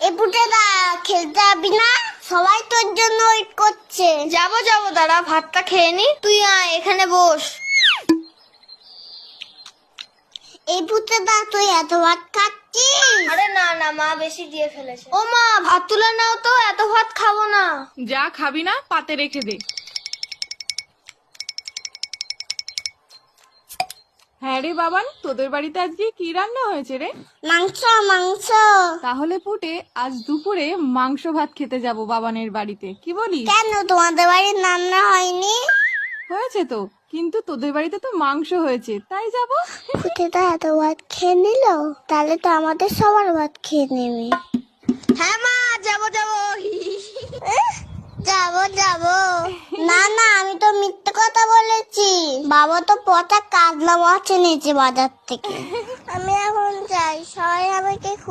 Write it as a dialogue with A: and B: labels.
A: এ পুটেদা খেলতে যাবি না? সবাই তোর জন্য ওয়েট করছে।
B: যাবো দাঁড়া, ভাতটা খেয়ে নি। তুই আয়, এখানে বস।
A: এই পুটেদা তুই এত ভাত খাচ্ছিস?
B: আরে না মা বেশি দিয়ে ফেলেছে। ও মা, ভাত তুলে নাও তো, এত ভাত খাবো না।
C: যা খাবি না পাতে রেখে দে। হ্যাঁ রে বাবান, তোদের বাড়িতে আজকে কি রান্না হয়েছে রে?
A: মাংস মাংস।
C: তাহলে পুটে আজ দুপুরে মাংস ভাত খেতে যাব বাবানের বাড়িতে, কি বলিস?
A: কেন তোমাদের বাড়ির রান্না হয়নি?
C: হয়েছে তো, কিন্তু তোদের বাড়িতে তো মাংস হয়েছে, তাই যাব।
A: পুটেদা এত ভাত খেয়ে নিল, তাহলে তো আমাদের সবার ভাত খেয়ে নেবে।
B: হ্যাঁ মা, যাবো
A: যাবো না আমি তো মিথ্যে কথা বলেছি। বাবা তো পচা কাতলা মাছ এনেছে বাজার থেকে। আমি এখন যাই, সবাই আমাকে